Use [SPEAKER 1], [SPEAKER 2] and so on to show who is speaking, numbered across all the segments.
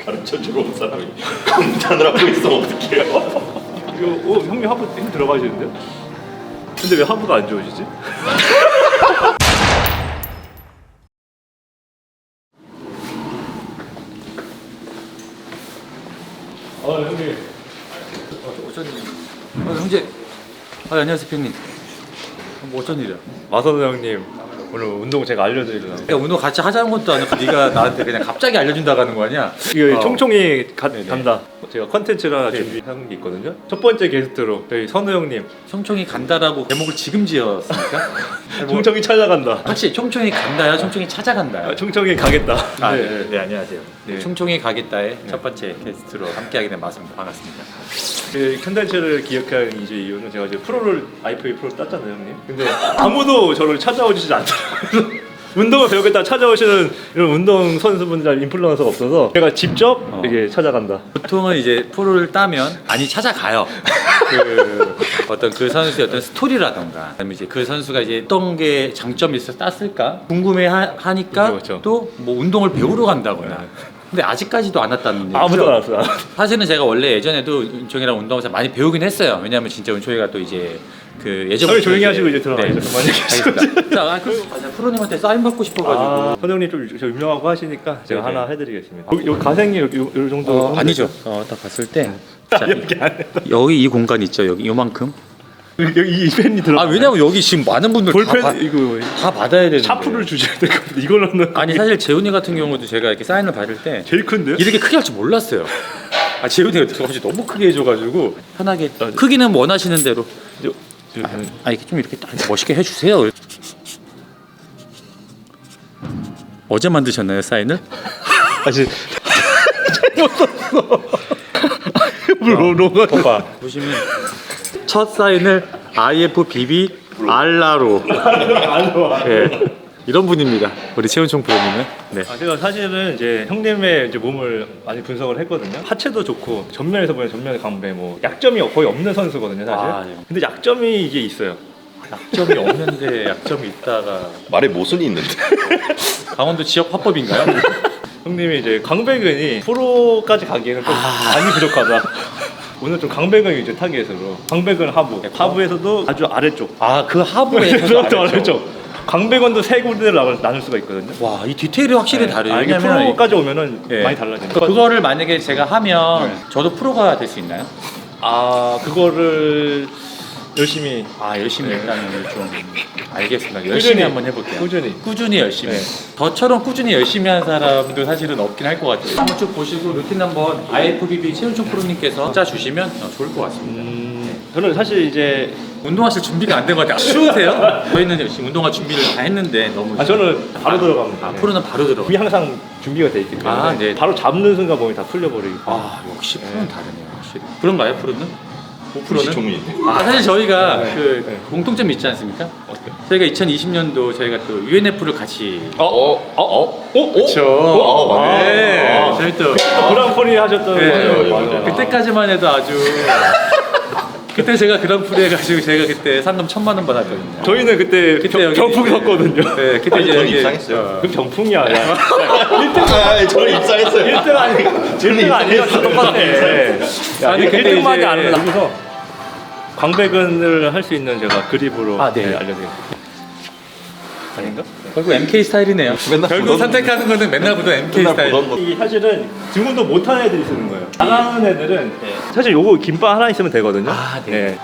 [SPEAKER 1] 가르쳐주러 온 사람이 감탄을 하고 있으면 어떡해요?
[SPEAKER 2] 이거 형님 하부 힘 들어가시는데요? 근데 왜 하부가 안 좋으시지? 형님.
[SPEAKER 3] 어쩐 일? 형제. 안녕하세요, 형님. 뭐 어쩐 일이야?
[SPEAKER 2] 마선우 형님 오늘 운동 제가 알려드리려고.
[SPEAKER 3] 야, 운동 같이 하자는 것도 아니고 네가 나한테 그냥 갑자기 알려준다고 하는 거 아니야?
[SPEAKER 2] 이거
[SPEAKER 3] 어.
[SPEAKER 2] 총총이
[SPEAKER 3] 네네.
[SPEAKER 2] 간다. 제가 컨텐츠를
[SPEAKER 3] 네.
[SPEAKER 2] 준비한 게 있거든요. 첫 번째 게스트로 저희 선우 형님.
[SPEAKER 3] 총총이 간다라고 제목을 지금 지었습니까? 뭐,
[SPEAKER 2] 총총이 찾아간다.
[SPEAKER 3] 확실히 총총이 간다야, 총총이 찾아간다야.
[SPEAKER 2] 총총이 가겠다.
[SPEAKER 3] 네, 안녕하세요.
[SPEAKER 2] 네.
[SPEAKER 3] 총총이 가겠다의 첫 번째 게스트로 함께하게 된 맞습니다. 반갑습니다.
[SPEAKER 2] 그 컨텐츠를 기획한 이제 이유는 제가 이제 프로를 IFA 프로 땄잖아요, 형님. 근데 아무도 저를 찾아오시지 않더라고요. 운동을 배우겠다 찾아오시는 이런 운동 선수분들 인플루언서가 없어서 제가 직접 이렇게 찾아간다.
[SPEAKER 3] 보통은 이제 프로를 따면 많이 찾아가요. 그 어떤 그 선수의 어떤 스토리라던가, 아니면 이제 그 선수가 이제 어떤 게 장점이 있어서 땄을까 궁금해하니까
[SPEAKER 2] 그렇죠.
[SPEAKER 3] 또 뭐 운동을 배우러 간다거나. 근데 아직까지도 안 왔다는 얘기죠.
[SPEAKER 2] 아무도 안 왔어요.
[SPEAKER 3] 사실은 제가 원래 예전에도 은총이랑 운동을 많이 배우긴 했어요. 왜냐하면 진짜 은총이가 또 이제 그 예전부터
[SPEAKER 2] 조용히 하시고 이제 들어가시죠. 그만 얘기하시죠.
[SPEAKER 3] 알겠습니다. 자, 맞아, 프로님한테 사인 받고 싶어가지고.
[SPEAKER 2] 선우 형님 좀 유명하고 하시니까 제가
[SPEAKER 3] 네네.
[SPEAKER 2] 하나 해드리겠습니다. 여기 가생이 요 정도.
[SPEAKER 3] 아니죠. 딱 봤을 때 자,
[SPEAKER 2] 여기 안에
[SPEAKER 3] 여기 이 공간 있죠. 여기 요만큼.
[SPEAKER 2] 여기 이 펜이 들어.
[SPEAKER 3] 아, 왜냐면 여기 지금 많은 분들
[SPEAKER 2] 볼펜 이거
[SPEAKER 3] 다 받아야 되는데.
[SPEAKER 2] 샤프를 주셔야 될 것 같은데 이걸로는.
[SPEAKER 3] 아니 사실 재훈이 같은 경우도 제가 이렇게 사인을 받을 때
[SPEAKER 2] 제일 큰데요?
[SPEAKER 3] 이렇게 크게 할 줄 몰랐어요. 재훈이가 갑자기 너무 크게 해줘가지고 편하게 크기는 원하시는 대로. 이렇게 좀 이렇게 딱 멋있게 해주세요. 어제 만드셨나요 사인을?
[SPEAKER 2] 아직 잘못 썼어. 로가
[SPEAKER 3] 봐봐. 보시면 첫 사인을 IFBB 알라로. 예. 이런 분입니다. 우리 최은총 프로님은. 네.
[SPEAKER 2] 제가 사실은 이제 형님의 이제 몸을 많이 분석을 했거든요. 하체도 좋고 전면에서 보면 전면 강배 뭐 약점이 거의 없는 선수거든요, 사실.
[SPEAKER 3] 네.
[SPEAKER 2] 근데 약점이 이게 있어요.
[SPEAKER 3] 약점이 없는데 약점이 있다가
[SPEAKER 1] 말에 모순이 있는데.
[SPEAKER 3] 강원도 지역 화법인가요?
[SPEAKER 2] 형님이 이제 강배근이 프로까지 가기에는 좀 많이 부족하다. 오늘 좀 강배근 위주 타겟으로 강배근 하부, 하부에서도 아주 아래쪽.
[SPEAKER 3] 그 하부에서
[SPEAKER 2] 또 아래쪽. 강배근도 세 군데를 나눌 수가 있거든요.
[SPEAKER 3] 와, 이 디테일이 확실히 다르요.
[SPEAKER 2] 이게
[SPEAKER 3] 왜냐면
[SPEAKER 2] 프로까지 오면은
[SPEAKER 3] 예.
[SPEAKER 2] 많이 달라집니다.
[SPEAKER 3] 그거를 만약에 제가 하면 저도 프로가 될 수 있나요?
[SPEAKER 2] 그거를 열심히
[SPEAKER 3] 열심히
[SPEAKER 2] 네.
[SPEAKER 3] 일단은 좀 알겠습니다. 열심히 한번 해볼게요. 꾸준히 열심히.
[SPEAKER 2] 네.
[SPEAKER 3] 저처럼 꾸준히 열심히 하는 사람도 사실은 없긴 할 것 같아요. 한번 쭉 보시고 루틴 한번 IFBB 최은총 프로님께서 짜 주시면 좋을 것 같습니다.
[SPEAKER 2] 저는 사실 이제
[SPEAKER 3] 운동하실 준비가 안 된 것 같아요. 쉬우세요? 저희는 지금 운동화 준비를 다 했는데 너무
[SPEAKER 2] 저는 바로 들어갑니다.
[SPEAKER 3] 프로는 바로 들어가.
[SPEAKER 2] 몸이 항상 준비가 돼 있기 때문에
[SPEAKER 3] 네.
[SPEAKER 2] 바로 잡는 순간 몸이 다 풀려버리기 때문에.
[SPEAKER 3] 역시 프로는 다르네요. 확실히. 그런가요, 프로는?
[SPEAKER 1] 혹시 종이.
[SPEAKER 3] 사실 저희가
[SPEAKER 2] 네.
[SPEAKER 3] 그 공통점이 있지 않습니까? 저희가 2020년도 저희가 또 UNF를 같이 그렇죠. 네. 저희 또
[SPEAKER 2] 그랑프리 하셨던
[SPEAKER 3] 네.
[SPEAKER 1] 맞아요.
[SPEAKER 3] 그때까지만 해도 아주 그때 제가 그랑프리 해가지고 제가 그때 상금 1,000만 원 받았거든요.
[SPEAKER 2] 저희는 그때
[SPEAKER 3] 여기
[SPEAKER 2] 경풍 섰거든요.
[SPEAKER 3] 네, 그때 이제
[SPEAKER 1] 저는
[SPEAKER 3] 여기,
[SPEAKER 1] 입상했어요.
[SPEAKER 2] 그럼 경풍이야. 야.
[SPEAKER 1] 저는 입사했어요.
[SPEAKER 2] 1등 아니야. 1등 아니야. 다 똑같아. 야,
[SPEAKER 3] 아니, 근데
[SPEAKER 2] 1등만이
[SPEAKER 3] 이제-
[SPEAKER 2] 안 나면서 광배근을 할 수 있는 제가 그립으로
[SPEAKER 3] 네.
[SPEAKER 2] 알려드릴게요. 아닌가?
[SPEAKER 3] 결국 MK 스타일이네요.
[SPEAKER 1] 맨날
[SPEAKER 3] 결국
[SPEAKER 1] 보던-
[SPEAKER 3] 선택하는 거는 맨날 보던 MK
[SPEAKER 1] 맨날
[SPEAKER 3] 스타일.
[SPEAKER 1] 보던 거.
[SPEAKER 2] 이 사실은 지금도 못하는 애들이 쓰는 거예요. 잘하는 애들은 사실 요거 김밥 하나 있으면 되거든요.
[SPEAKER 3] 네.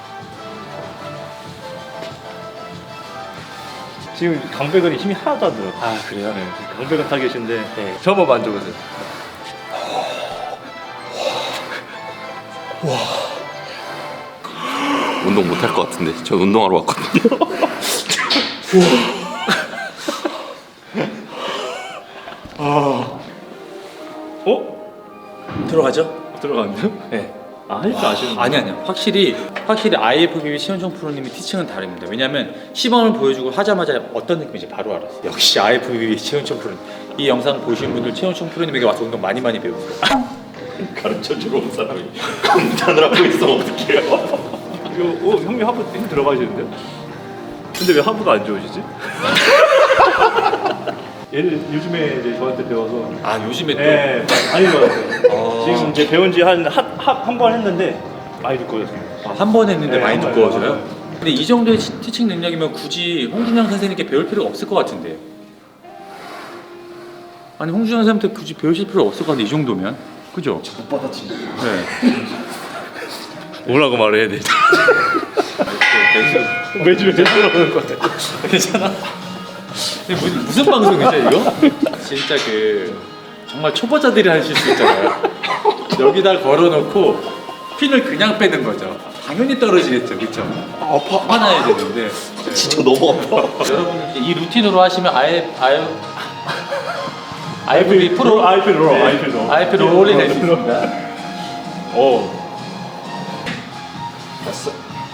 [SPEAKER 2] 지금 강백은이 힘이 하나도 안 들어.
[SPEAKER 3] 그래요?
[SPEAKER 2] 네. 강백은 타겟인데
[SPEAKER 3] 네.
[SPEAKER 2] 저 한번 만져보세요.
[SPEAKER 1] 운동 못 할 것 같은데. 저 운동하러 왔거든요.
[SPEAKER 3] 들어가죠?
[SPEAKER 2] 들어갔나요?
[SPEAKER 3] 네.
[SPEAKER 2] 할 줄 아시는
[SPEAKER 3] 아니요. 확실히 IFBB 최은총 프로님의 티칭은 다릅니다. 왜냐면 시범을 보여주고 하자마자 어떤 느낌인지 바로 알았어요. 역시 IFBB 최은총 프로님. 이 영상 보신 분들 최은총 프로님에게 와서 운동 많이 배우세요.
[SPEAKER 1] 가르쳐주러 온 사람이 감탄을 하고 있으면 어떡해요?
[SPEAKER 2] 이거 형님 하부 힘 들어가시는데요? 근데 왜 하부가 안 좋으시지? 얘를 요즘에 이제 저한테 배워서
[SPEAKER 3] 아 요즘에 또
[SPEAKER 2] 네, 많이 배웠어요. 지금 이제 배운 지 한 번 했는데 많이 두꺼워졌습니다.
[SPEAKER 3] 한 번 했는데
[SPEAKER 2] 네,
[SPEAKER 3] 많이
[SPEAKER 2] 한 번,
[SPEAKER 3] 두꺼워져요?
[SPEAKER 2] 한 번.
[SPEAKER 3] 근데 이 정도의 티칭 능력이면 굳이 홍준영 선생님께 배울 필요가 없을 것 같은데. 아니 홍준영 선생님한테 굳이 배우실 필요 없을 것 같은데 이 정도면. 그죠?
[SPEAKER 1] 못 받아치네.
[SPEAKER 3] 네.
[SPEAKER 2] 뭐라고 말을 해야 되지? 매주 그러는 거 같아.
[SPEAKER 3] 괜찮아? 근데 무슨 방송이죠 이거? 진짜 그 정말 초보자들이 할 실수 있잖아요. 여기다 걸어놓고 핀을 그냥 빼는 거죠. 당연히 떨어지겠죠, 그렇죠?
[SPEAKER 1] 아파.
[SPEAKER 3] 화나야 되는데.
[SPEAKER 1] 진짜 너무 아파.
[SPEAKER 3] 여러분 이제 이 루틴으로 하시면 IFBB 프로 IFB 롤이 될 수 있습니다.
[SPEAKER 2] 오.
[SPEAKER 1] 됐어.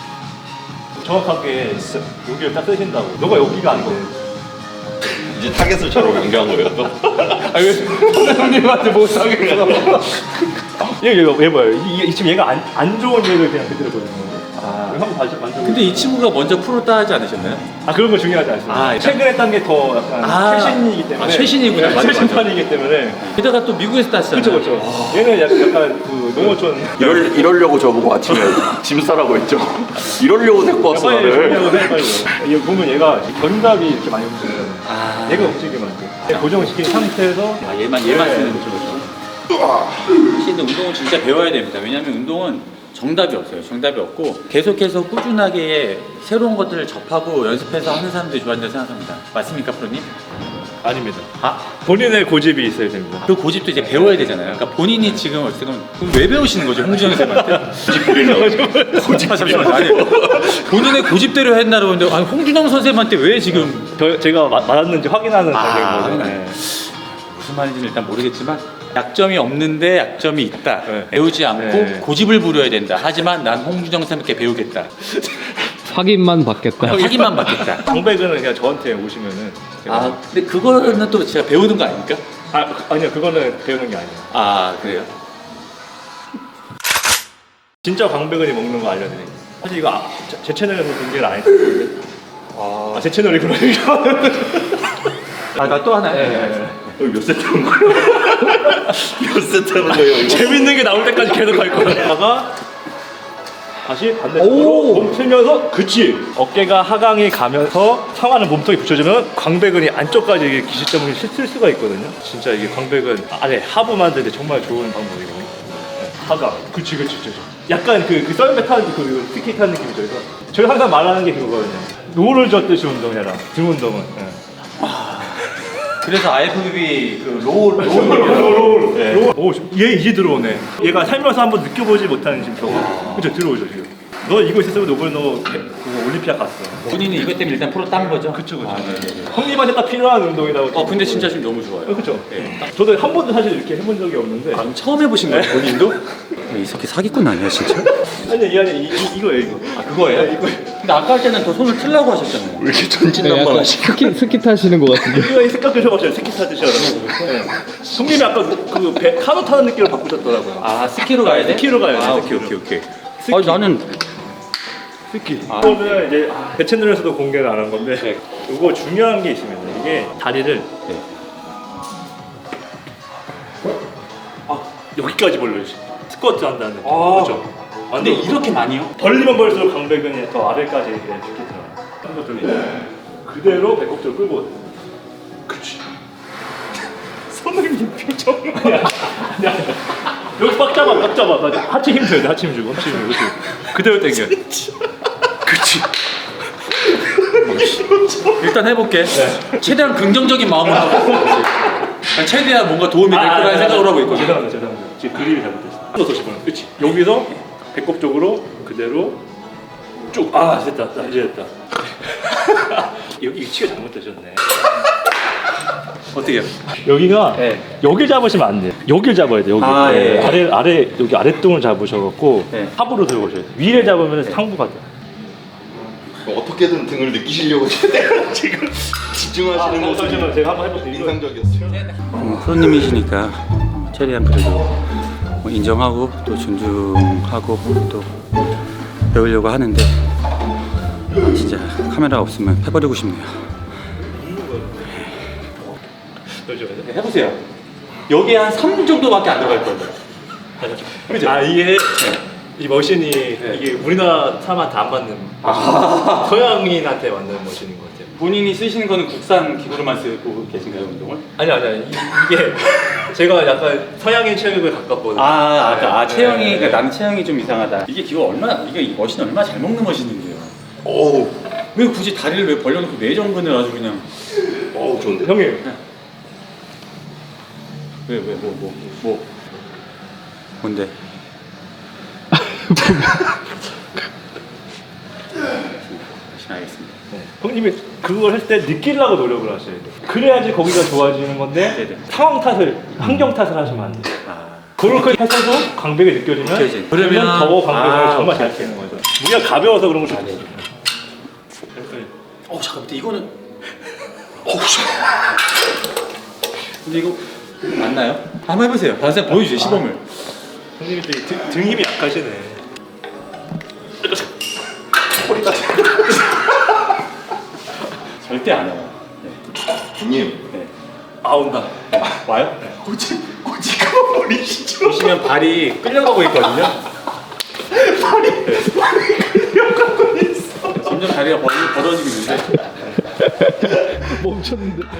[SPEAKER 2] 정확하게 여기를 딱 쓰신다고. 너가 여기가 안 돼.
[SPEAKER 1] 이제 타겟을 저로 연결한 거예요 또.
[SPEAKER 3] 아왜 선생님한테 못하겠어?
[SPEAKER 2] 얘 봐요. 지금 얘가 안 좋은 얘를 그냥 그대로 보여주는 거예요. 아, 한번 다시 만져.
[SPEAKER 3] 근데 이 친구가 먼저 프로 따지 않으셨나요?
[SPEAKER 2] 아 그런 거 중요하지 않습니다.
[SPEAKER 3] 아,
[SPEAKER 2] 최근에 딴 게 더 약간 최신이기 때문에.
[SPEAKER 3] 아, 최신이구나.
[SPEAKER 2] 네,
[SPEAKER 3] 맞아, 맞아.
[SPEAKER 2] 최신판이기 때문에.
[SPEAKER 3] 게다가 또 미국에서 따시잖아요.
[SPEAKER 2] 그렇죠. 얘는 약간 그 농어촌.
[SPEAKER 1] 이러려고 저보고 아침에 짐 싸라고 했죠. 이러려고 데리고 왔어
[SPEAKER 2] 빨리
[SPEAKER 1] 나를.
[SPEAKER 2] 정리하고 해 빨리. 이거 보면 얘가 견갑이 이렇게 많이 움직여요.
[SPEAKER 3] 아.
[SPEAKER 2] 얘가 움직이면 안 돼. 고정시킨 상태에서.
[SPEAKER 3] 아 얘만 쓰는 거죠. 근데 운동은 진짜 배워야 됩니다. 왜냐하면 운동은 정답이 없어요. 정답이 없고 계속해서 꾸준하게 새로운 것들을 접하고 연습해서 하는 사람들이 좋아한다고 생각합니다. 맞습니까, 프로님?
[SPEAKER 2] 아닙니다.
[SPEAKER 3] 아,
[SPEAKER 2] 본인의 고집이 있어야 됩니다.
[SPEAKER 3] 그 고집도 이제 배워야 되잖아요. 그러니까 본인이 지금 어떻게 보면 그럼 왜 배우시는 거죠, 홍준영 선생님한테? 고집 잠시만요. 아니 본인의 고집대로 했나라고 했는데 아니 홍준영 선생님한테 왜 지금
[SPEAKER 2] 제가 맞았는지 확인하는
[SPEAKER 3] 아,
[SPEAKER 2] 단계인 거죠.
[SPEAKER 3] 네. 무슨 말인지는 일단 모르겠지만 약점이 없는데 약점이 있다.
[SPEAKER 2] 네.
[SPEAKER 3] 배우지 않고
[SPEAKER 2] 네.
[SPEAKER 3] 고집을 부려야 된다. 하지만 난 홍준영 선생님께 배우겠다.
[SPEAKER 4] 확인만 받겠다.
[SPEAKER 3] 확인만 받겠다.
[SPEAKER 2] 정백은 그냥 저한테 오시면은 제가
[SPEAKER 3] 아 근데 그거는 또 제가 배우는 거 아닙니까?
[SPEAKER 2] 아니요 그거는 배우는 게 아니에요.
[SPEAKER 3] 아 그래요?
[SPEAKER 2] 진짜 광배근이 먹는 거 알려드릴게요. 사실 이거 제 채널에서 공개를 안 했어요. 제 채널이 그러니까.
[SPEAKER 3] 나 또 하나. 네.
[SPEAKER 1] 몇 세트 하는 거예요? 몇 세트 하는 거예요 이거?
[SPEAKER 2] 재밌는 게 나올 때까지 계속 할 거야. 다가 다시 반대쪽으로 몸 틀면서 그치 어깨가 하강이 가면서 상하는 몸통이 붙여주면 광배근이 안쪽까지 이게 기시점을 쓸 수가 있거든요. 진짜 이게 광배근 아래 하부 만드는데 정말 좋은 방법이거든요. 네, 하강 그치 약간 그 썰매 타는 그 스키 타는 느낌이죠. 그래서 저희 항상 말하는 게 그거거든요. 노를 젓듯이 운동해라. 등 운동은. 네.
[SPEAKER 3] 그래서 IFBB 그 롤.
[SPEAKER 2] 오, 얘 이제 들어오네. 얘가 살면서 한번 느껴보지 못하는 지금 저거. 그쵸, 들어오죠, 지금. 너 이거 있었으면 너 그거 올림피아 갔어.
[SPEAKER 3] 본인이 이것 때문에 일단 프로 딴 거죠?
[SPEAKER 2] 그쵸.
[SPEAKER 3] 아, 네네.
[SPEAKER 2] 형님한테 딱 필요한 운동이라고.
[SPEAKER 3] 근데 진짜 지금 너무 좋아요.
[SPEAKER 2] 그쵸.
[SPEAKER 3] 네.
[SPEAKER 2] 저도 한 번도 사실 이렇게 해본 적이 없는데.
[SPEAKER 3] 그럼 처음 해보신 거예요, 본인도? 이 새끼 사기꾼 아니야, 진짜?
[SPEAKER 2] 아니, 이거예요, 이거.
[SPEAKER 3] 아, 그거예요?
[SPEAKER 2] 네, 이거.
[SPEAKER 3] 근데 아까 할 때는 더 손을 틀라고 하셨잖아요.
[SPEAKER 1] 왜 이렇게
[SPEAKER 4] 네,
[SPEAKER 1] 전진난만
[SPEAKER 4] 약간
[SPEAKER 1] 하시?
[SPEAKER 4] 스키 타시는 것 같은데.
[SPEAKER 2] 이거 생각 드셔보세요. 스키 타드시라고. 네. 형님이 아까 배 카누 타는 느낌으로 바꾸셨더라고요.
[SPEAKER 3] 아, 스키로 가야 돼?
[SPEAKER 2] 스키로 가야 돼,
[SPEAKER 3] 아,
[SPEAKER 2] 스키로.
[SPEAKER 3] 오케이.
[SPEAKER 2] 스키.
[SPEAKER 3] 아니, 나는
[SPEAKER 2] 스키. 이거는 이제 제 채널에서도 공개를 안 한 건데
[SPEAKER 3] 네.
[SPEAKER 2] 이거 중요한 게 있습니다. 이게 다리를
[SPEAKER 3] 네.
[SPEAKER 2] 여기까지 벌려주시. 스쿼트 한다는 느낌. 그렇죠?
[SPEAKER 3] 근데 이렇게 많이요?
[SPEAKER 2] 벌리면 벌릴수록 강배근이 더 아래까지 이렇게 들어요. 한번 돌리고 그대로 배꼽 쪽을 끌고. 그렇지. 선생님 표정. 아니야. 여기 꽉 잡아. 하체 힘 줘야 돼. 하체 힘 주고. 그렇지. 그대로 당겨. 그렇지.
[SPEAKER 3] 일단 해볼게. 최대한 긍정적인 마음으로 하고 있어. 최대한 뭔가 도움이 될 거라는 생각으로 하고 있거든요.
[SPEAKER 2] 죄송합니다. 지금 그림이 잘못됐어. 한번 더 짚어요. 그렇지. 여기서 배꼽 쪽으로 그대로 쭉. 됐다. 이제 됐다. 여기 위치가 잘못되셨네.
[SPEAKER 3] 어떻게 해요?
[SPEAKER 2] 여기가
[SPEAKER 3] 네.
[SPEAKER 2] 여기 잡으시면 안 돼요. 여기를 잡아야 돼요. 여기.
[SPEAKER 3] 아, 예.
[SPEAKER 2] 아래 여기 아랫등을 잡으셔갖고
[SPEAKER 3] 네.
[SPEAKER 2] 하부로 들어오셔야 돼요. 위를 잡으면 상부가 돼요.
[SPEAKER 1] 어떻게든 등을 느끼시려고 지금 집중하시는 모습이
[SPEAKER 2] 잠시만 제가 한번 해볼게요.
[SPEAKER 1] 인상적이었어요.
[SPEAKER 3] 프로님이시니까 최대한 그래도 뭐 인정하고 또 존중하고 또 배우려고 하는데 진짜 카메라 없으면 패버리고 싶네요. 그러니까 해보세요. 여기에 한 3 정도밖에 안 들어갈 거예요. 그죠?
[SPEAKER 2] 아 이게 이 머신이 이게 우리나라 사람한테 안 맞는 서양인한테 맞는 머신인 것 같아요.
[SPEAKER 3] 본인이 쓰시는 거는 국산 기구로만 쓰고 계신가요, 운동을?
[SPEAKER 2] 아니 이게 제가 약간 서양인 체격에 가깝거든요.
[SPEAKER 3] 체형이,
[SPEAKER 2] 네.
[SPEAKER 3] 그러니까 나는 체형이 좀 이상하다. 이게 기구 얼마나, 이게 이 머신 얼마나 잘 먹는 머신인데요.
[SPEAKER 1] 어우,
[SPEAKER 3] 왜 굳이 다리를 왜 벌려놓고 내전근을 아주 그냥.
[SPEAKER 1] 어우 좋은데.
[SPEAKER 2] 형님
[SPEAKER 3] 뭔데? 알겠습니다.
[SPEAKER 2] 형님이 그걸 할 때 느끼려고 노력을 하셔야 돼요. 그래야지 거기가 좋아지는 건데
[SPEAKER 3] 네네.
[SPEAKER 2] 상황 탓을, 환경 탓을 하시면 안 돼요. 그렇게 해서도 강백이 느껴지면
[SPEAKER 3] 느껴지죠.
[SPEAKER 2] 그러면 더 강백을 정말 잘
[SPEAKER 3] 오케이.
[SPEAKER 2] 쓰는 거죠. 무게가 가벼워서 그런 걸 좋아해요.
[SPEAKER 3] 잠깐만, 이거는. 근데 이거 맞나요? 한번 해보세요. 선생님 보여주세요, 시범을.
[SPEAKER 2] 형님이 등 힘이 약하시네.
[SPEAKER 3] 절대 안 와요.
[SPEAKER 1] 형님.
[SPEAKER 3] 네.
[SPEAKER 2] 아 온다.
[SPEAKER 3] 와요?
[SPEAKER 1] 꼬치가 버리시죠.
[SPEAKER 3] 보시면 발이 끌려가고 있거든요. 발이 끌려가고 있어. 점점 다리가 벌어지고 있는데.
[SPEAKER 4] 멈췄는데.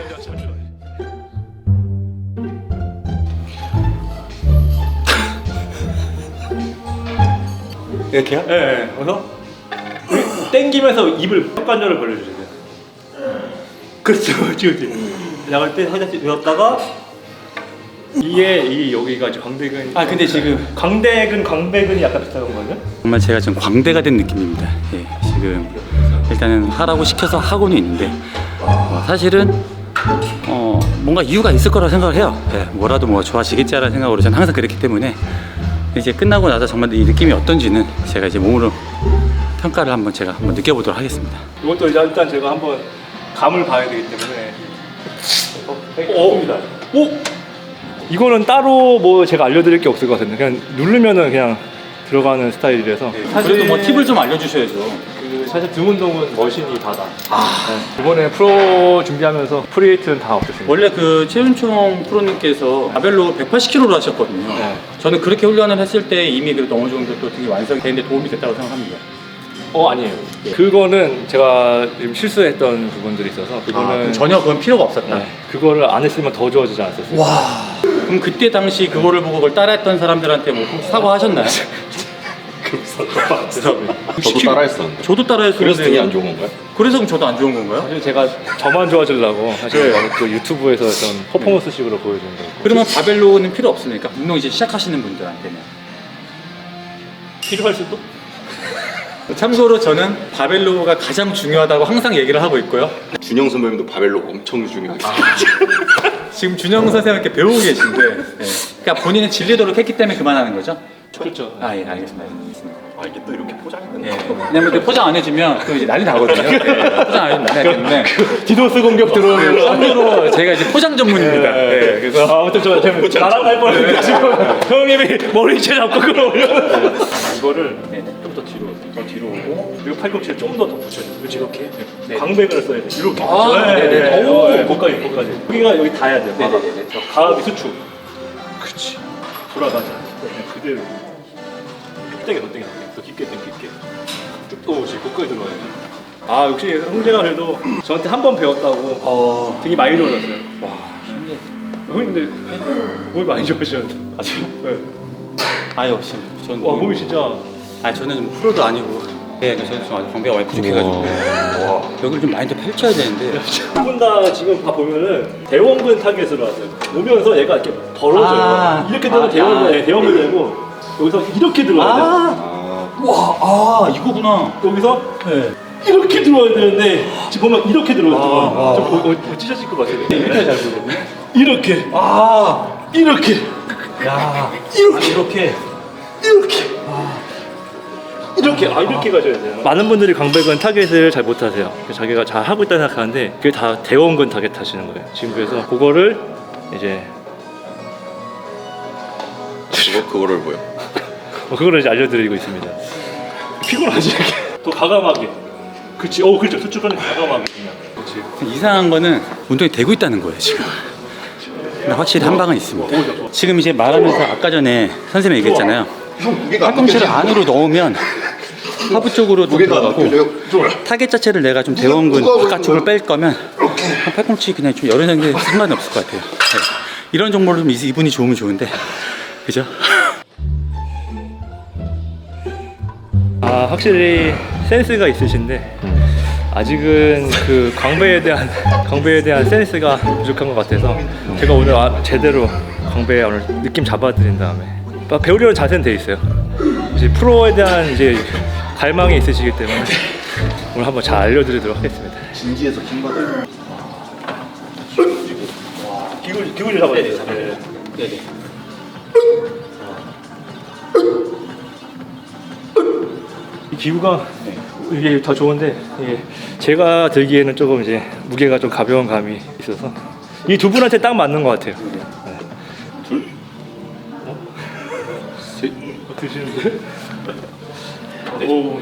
[SPEAKER 3] 이렇게요?
[SPEAKER 2] 네. 그래서 땡기면서 입을 턱관절을 벌려주세요. 그렇죠, 그렇지. 나갈 때 살짝 들었다가 이게 여기가 이제 광대근.
[SPEAKER 3] 근데 지금
[SPEAKER 2] 광대근이 약간 비슷한 거거든요.
[SPEAKER 3] 정말 제가 지금 광대가 된 느낌입니다. 예, 지금 일단은 하라고 시켜서 하고는 있는데 사실은 뭔가 이유가 있을 거라고 생각을 해요. 예, 뭐라도 뭐 좋아지겠지라는 생각으로 저는 항상 그랬기 때문에 이제 끝나고 나서 정말 이 느낌이 어떤지는 제가 이제 몸으로 평가를 제가 한번 느껴보도록 하겠습니다.
[SPEAKER 2] 이것도 이제 일단 제가 한번 감을 봐야 되기 때문에. 오! 이거는 따로 뭐 제가 알려드릴 게 없을 것 같은데 그냥 누르면은 그냥 들어가는 스타일이라서.
[SPEAKER 3] 그래도 뭐 팁을 좀 알려주셔야죠.
[SPEAKER 2] 사실 등 운동은 머신이 다다. 이번에 프로 준비하면서 프리웨이트는 다 없었습니다.
[SPEAKER 3] 원래 그 최윤총 프로님께서 바벨로 180kg로 하셨거든요.
[SPEAKER 2] 네.
[SPEAKER 3] 저는 그렇게 훈련을 했을 때 이미 그래도 어느 정도 또 되게 완성이 되는데 도움이 됐다고 생각합니다.
[SPEAKER 2] 아니에요. 그거는 제가 지금 실수했던 부분들이 있어서 그거는
[SPEAKER 3] 전혀 그건 필요가 없었다.
[SPEAKER 2] 네, 그거를 안 했으면 더 좋아지지 않았었어요.
[SPEAKER 3] 그럼 그때 당시 그거를 보고 그걸 따라했던 사람들한테 뭐 혹시 사과하셨나요?
[SPEAKER 1] 저도 따라했었는데.
[SPEAKER 3] 저도 따라했어요.
[SPEAKER 1] 그래서 등이 안 좋은 건가요?
[SPEAKER 3] 그래서 그럼 저도 안 좋은 건가요?
[SPEAKER 2] 사실 제가 저만 좋아지려고 사실 그 유튜브에서 어떤 퍼포먼스식으로 보여주는 거예요.
[SPEAKER 3] 그러면 바벨로는 필요 없습니까? 운동 이제 시작하시는 분들한테는.
[SPEAKER 2] 필요할 수도?
[SPEAKER 3] 참고로 저는 바벨로가 가장 중요하다고 항상 얘기를 하고 있고요.
[SPEAKER 1] 준영 선배님도 바벨로 엄청 중요하게.
[SPEAKER 3] 지금 준영 선생님께 배우고 계신데, 그러니까 본인은 질리도록 했기 때문에 그만하는 거죠?
[SPEAKER 2] 그렇죠.
[SPEAKER 3] 예, 알겠습니다.
[SPEAKER 1] 이게 또 이렇게 포장이 되는
[SPEAKER 3] 예. 왜냐면 그 포장 안 해주면 또 이제 난리 나거든요. 예, 포장 안 해주면 난리 나기 때문에.
[SPEAKER 2] 디도스 공격 들어오면
[SPEAKER 3] 참고로 제가 이제 포장 전문입니다. 예, 그래서
[SPEAKER 2] 아무튼 저 나랑 할 뻔했는데 지금 형님이 머리채 잡고 끌어올려. 이거를 좀 더 뒤로 오고 그리고 팔꿈치를 좀 더 붙여요. 그렇지 이렇게. 강백을 써야 돼. 이렇게.
[SPEAKER 3] 네네.
[SPEAKER 2] 거기까지. 여기가 여기 닿아야 돼요.
[SPEAKER 3] 네네네.
[SPEAKER 2] 가압이 수축. 그렇지. 돌아가자. 그대로. 더 깊게 당길게. 쭉 오지. 거기까지 들어가야 돼. 역시 형제가 그래도 저한테 한 번 배웠다고 되게 많이 좋아졌어요. 와, 신기해. 형님 근데 몸이 많이 좋아지셨는데. 네.
[SPEAKER 3] 역시. 전
[SPEAKER 2] 몸이 진짜.
[SPEAKER 3] 저는 좀 프로도 아니고. 네, 저는 좀 아주 광배가 많이 부족해가지고. 여기를 좀 많이 더 펼쳐야 되는데.
[SPEAKER 2] 두 분 다 지금 다 보면은 대원근 타겟으로 하세요. 오면서 얘가 이렇게 벌어져요. 이렇게 되면 대원근 되고 여기서 이렇게 들어와야 돼요.
[SPEAKER 3] 이거구나.
[SPEAKER 2] 여기서 이렇게 들어와야 되는데 지금 보면 이렇게 들어와요. 좀 찢어질 것 같아요. 이렇게 잘 보거든요. 이렇게. 이렇게. 이렇게 가져야 돼요. 많은 분들이 광배근 타겟을 잘 못하세요. 자기가 잘 하고 있다 생각하는데 그게 다 대원근 타겟 하시는 거예요. 지금 그래서 그거를 이제
[SPEAKER 1] 그거를 뭐요?
[SPEAKER 2] 그거를 이제 알려드리고 있습니다. 피곤하지 이렇게. 또 과감하게. 그렇지. 그렇죠. 수축하는 과감하게 그냥. 그렇지.
[SPEAKER 3] 이상한 거는 운동이 되고 있다는 거예요, 지금. 근데 확실히 한 방은 있습니다. 지금 이제 말하면서 아까 전에 선생님이 얘기했잖아요. 팔꿈치를 안으로 넣으면 하부 쪽으로 좀 들어가고 타겟 자체를 내가 좀 대원근 바깥쪽으로 뺄 거면 팔꿈치 그냥 좀 열어내는 게 상관이 없을 것 같아요. 네. 이런 정보를 좀 이분이 좋으면 좋은데 그죠?
[SPEAKER 2] 아 확실히 센스가 있으신데 아직은 그 광배에 대한 센스가 부족한 것 같아서 제가 오늘 제대로 광배에 오늘 느낌 잡아드린 다음에 배우려는 자세는 돼 있어요. 이제 프로에 대한 이제 갈망이 있으시기 때문에 오늘 한번 잘 알려드리도록 하겠습니다.
[SPEAKER 1] 진지해서 힘받아요.
[SPEAKER 2] 기구를 잡아야 돼요.
[SPEAKER 3] 네네.
[SPEAKER 2] 이 기구가 이게 더 좋은데 이게 제가 들기에는 조금 이제 무게가 좀 가벼운 감이 있어서 이 두 분한테 딱 맞는 것 같아요. 네. 둘, 셋, 드시는데? 오.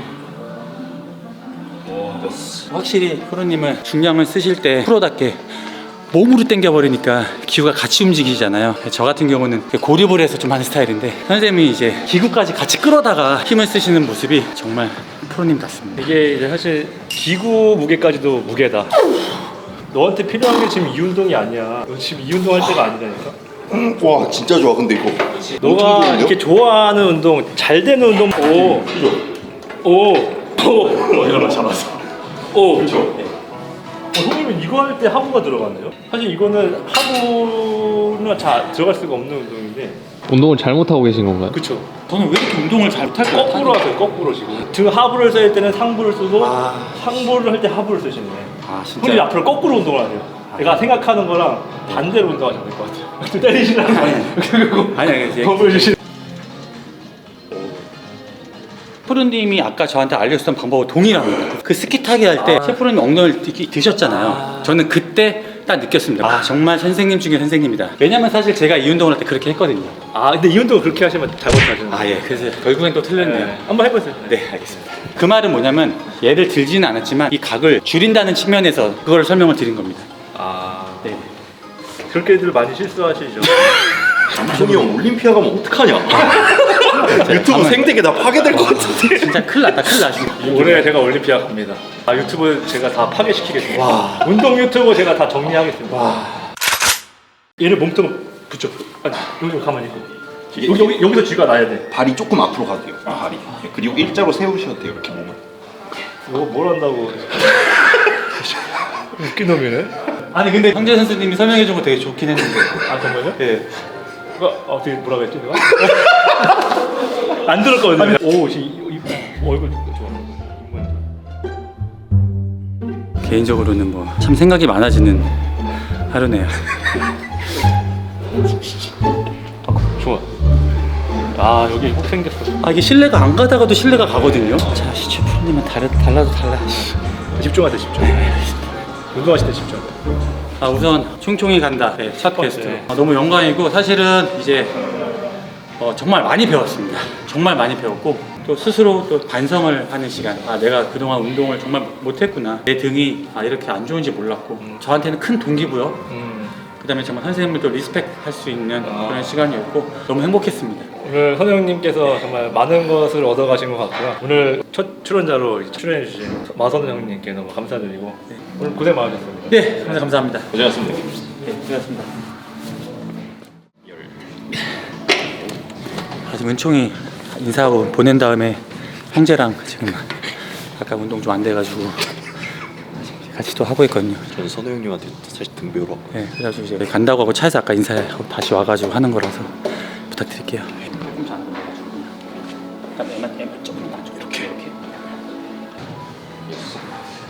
[SPEAKER 3] 확실히 프로님은 중량을 쓰실 때 프로답게 몸으로 당겨버리니까 기구가 같이 움직이잖아요. 저 같은 경우는 고립을 해서 좀 하는 스타일인데 선생님이 이제 기구까지 같이 끌어다가 힘을 쓰시는 모습이 정말 프로님 같습니다.
[SPEAKER 2] 이게 이제 사실 기구 무게까지도 무게다. 너한테 필요한 게 지금 이 운동이 아니야. 너 지금 이 운동 할 때가 아니라니까.
[SPEAKER 1] 와 진짜 좋아 근데 이거.
[SPEAKER 2] 너가 이렇게 좋아하는 운동, 잘 되는 운동.
[SPEAKER 1] 이거만 잡았어.
[SPEAKER 2] 그렇죠. 선생님은 이거 할 때 하부가 들어가네요. 사실 이거는 하부는 잘 들어갈 수가 없는 운동인데.
[SPEAKER 4] 운동을 잘못하고 계신 건가요?
[SPEAKER 2] 그렇죠.
[SPEAKER 3] 저는 왜 이렇게 운동을 잘 못할까요?
[SPEAKER 2] 거꾸로 하세요. 거꾸로 지금. 등 하부를 쓸 때는 상부를 쓰고 상부를 할 때 하부를 쓰시네.
[SPEAKER 3] 아 진짜?
[SPEAKER 2] 손이 앞으로 거꾸로 운동을 하세요. 내가 생각하는 거랑 반대로 운동하시면 될 것 같아요. 때리시라는 거.
[SPEAKER 3] 아니
[SPEAKER 2] 겁을 주시.
[SPEAKER 3] 프로님이 아까 저한테 알려줬던 방법과 동일합니다. 그 스키 타기 할 때 셰프로님 엉덩이를 드셨잖아요. 저는 그때 딱 느꼈습니다. 정말 선생님 중에 선생님이다. 왜냐면 사실 제가 이 운동을 할 때 그렇게 했거든요.
[SPEAKER 2] 근데 이 운동을 그렇게 하시면 잘못하시는 거예요.
[SPEAKER 3] 예. 그래서 결국엔 또 틀렸네요.
[SPEAKER 2] 한번 해보세요.
[SPEAKER 3] 네, 알겠습니다. 그 말은 뭐냐면 얘를 들지는 않았지만 이 각을 줄인다는 측면에서 그걸 설명을 드린 겁니다. 네.
[SPEAKER 2] 그렇게들 많이 실수하시죠.
[SPEAKER 1] 남성이 형 올림피아 가면 어떡하냐? 유튜브 생태계 다 파괴될 것 같은데.
[SPEAKER 3] 진짜 큰일 났다, 큰일 났습니다.
[SPEAKER 2] 올해 제가 올림피아 갑니다. 유튜브 제가 다 파괴시키겠습니다. 운동 유튜브 제가 다 정리하겠습니다. 얘를 몸통 붙여. 아니 여기 좀 가만히 있고. 여기서 쥐가 나야 돼.
[SPEAKER 1] 발이 조금 앞으로 가도 돼요. 발이. 그리고 일자로 세우셔도 돼요. 이렇게 몸을.
[SPEAKER 2] 이거 뭘 한다고. 웃긴 놈이네.
[SPEAKER 3] 아니 근데 형제 선수님이 설명해 준 거 되게 좋긴 했는데.
[SPEAKER 2] 정말요?
[SPEAKER 3] 네.
[SPEAKER 2] 어떻게 뭐라고 했지 내가? 안 들었거든요. 오, 얼굴 좋아.
[SPEAKER 3] 개인적으로는 뭐 참 생각이 많아지는 하루네요.
[SPEAKER 2] 좋아. 여기 혹 생겼어.
[SPEAKER 3] 이게 신뢰가 안 가다가도 신뢰가 가거든요. 자, 시추 프로님은 달라도 달라.
[SPEAKER 2] 집중하세요, 집중. 운동하실 때 집중.
[SPEAKER 3] 우선 총총이 간다. 네, 첫 게스트. 너무 영광이고 사실은 이제 정말 많이 배웠습니다. 정말 많이 배웠고 또 스스로 또 반성을 하는 시간. 내가 그동안 운동을 정말 못했구나. 내 등이 이렇게 안 좋은지 몰랐고 저한테는 큰 동기고요. 그다음에 정말 선생님을 또 리스펙 할 수 있는 그런 시간이었고 너무 행복했습니다.
[SPEAKER 2] 오늘 선생님께서 정말 많은 것을 얻어가신 것 같고요. 오늘 첫 출연자로 출연해주신 마선 형님께 너무 감사드리고 오늘 고생 많으셨습니다.
[SPEAKER 3] 네, 감사합니다.
[SPEAKER 1] 고생하셨습니다.
[SPEAKER 3] 네, 고맙습니다. 지금 은총이 인사하고 보낸 다음에 형제랑 지금 아까 운동 좀 안 돼가지고 같이 또 하고 있거든요.
[SPEAKER 1] 저는 선우 형님한테 사실 등 배우러 왔고.
[SPEAKER 3] 네, 그래가지고 이제 간다고 하고 차에서 아까 인사하고 다시 와가지고 하는 거라서 부탁드릴게요. 조금 안 올라가지고 그냥 애만 조금 놔줘 이렇게.